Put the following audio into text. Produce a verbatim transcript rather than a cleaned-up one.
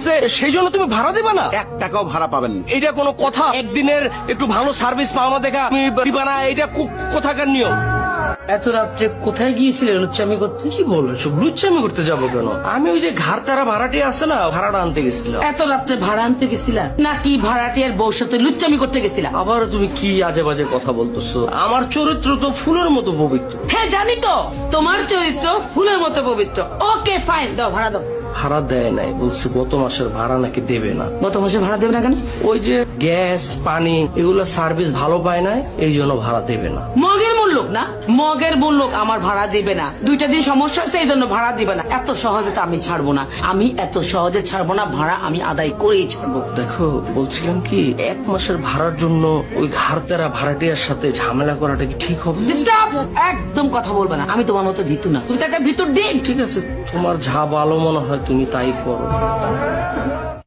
আছে সেই জন্য তুমি ভাড়া দিবা না? এক টাকাও ভাড়া পাবেন না। এটা কোনো কথা? একদিনের একটু ভালো সার্ভিস পাওয়া দেখা তুমি দিবা না? এটা কো- কোথাকার নিয়ম? এত রাত্রে কোথায় গিয়েছিলে লুচ্চামি করতে? কি বলো সব? লুচ্চামি করতে যাবো কেন? আমি ওই যে ঘাড়তারা ভাড়াটি আছে না, ভাড়াটা আনতে গেছিলাম। এত রাত্রে ভাড়া আনতে গেছিলা নাকি ভাড়াটিয়ার বউর সাথে লুচ্চামি করতে গেছিলা? আবার তুমি কি আজে বাজে কথা বলতেছো? আমার চরিত্র তো ফুলের মতো পবিত্র। হ্যাঁ জানি তো, তোমার চরিত্র ফুলের মতো পবিত্র। ওকে ফাইন, দাও ভাড়া দাও। ভাড়া দেয় নাই, বলছে গত মাসের ভাড়া নাকি দেবে না। গত মাসে ভাড়া দেবে না কেন? ওই যে গ্যাস পানি এগুলো সার্ভিস ভালো পায় না, এই জন্য ভাড়া দেবে না। মগের মূল্যক না, মগের মূল্যক আমার ভাড়া দিবে না। দুইটা দিন সমস্যা হচ্ছে এই জন্য ভাড়া দিবে না। এত সহজে তো আমি ছাড়বো না, আমি এত সহজে ছাড়বো না, ভাড়া আমি আদায় করেই ছাড়বো। দেখো বলছিলাম কি, এক মাসের ভাড়ার জন্য ওই ঘাড়তেরা ভাড়াটিয়ার সাথে ঝামেলা করাটা কি ঠিক হবে? Stop! একদম কথা বলবে না, আমি তোমার মতো ভীতু না, তুমি তো একটা ভিতর ডিম। ঠিক আছে, তোমার যা ভালো মনে হয় তুমি তাই করো।